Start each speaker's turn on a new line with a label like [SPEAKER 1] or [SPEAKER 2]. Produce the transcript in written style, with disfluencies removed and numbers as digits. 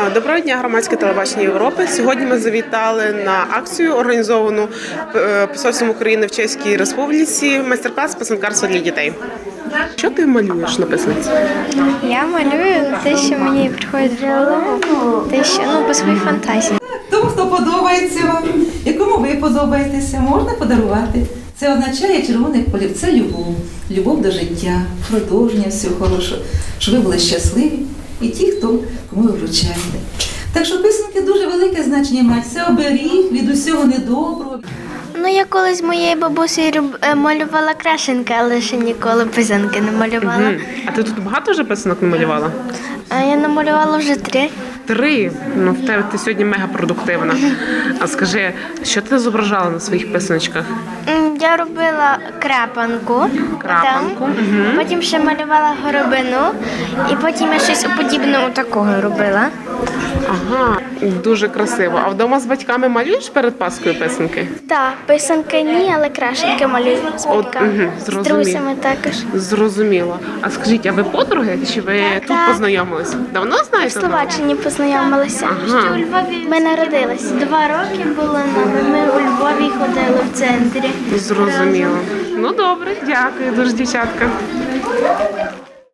[SPEAKER 1] Доброго дня, громадське телебачення Європи. Сьогодні ми завітали на акцію, організовану Посольством України в Чеській Республіці, майстер-клас писанкарства для дітей. Що ти малюєш на писанці?
[SPEAKER 2] Я малюю те, що мені приходить в голову, те, що по своїй фантазії.
[SPEAKER 3] Тому, хто подобається вам, якому ви подобаєтеся, можна подарувати. Це означає червоний колір. Це любов. Любов до життя, продовження всього хорошого, щоб ви були щасливі і ті, кому ви вручаєте. Так що писанки дуже велике значення мають. Це оберіг від усього недоброго.
[SPEAKER 2] Я колись з моєю бабусею малювала крашенки, але ще ніколи писанки не малювала.
[SPEAKER 1] А ти тут багато вже писанок намалювала?
[SPEAKER 2] Я намалювала вже 3.
[SPEAKER 1] 3? В тебе ти сьогодні мега продуктивна. А скажи, що ти зображала на своїх писаночках?
[SPEAKER 2] Я робила крапанку, потім ще малювала горобину, і потім я щось подібне такого робила.
[SPEAKER 1] Ага, дуже красиво. А вдома з батьками малюєш перед Паскою писанки?
[SPEAKER 2] Так, писанки ні, але крашенки малюю з батьками, з друзями також.
[SPEAKER 1] Зрозуміло. А скажіть, а ви подруги, чи ви тут познайомились? Давно знаєте?
[SPEAKER 2] В Словаччині познайомилися.
[SPEAKER 1] Ага.
[SPEAKER 2] Ми народились. 2 роки було нам. Ми у Львові ходили в центрі.
[SPEAKER 1] Зрозуміло. Ну добре, дякую дуже, дівчатка.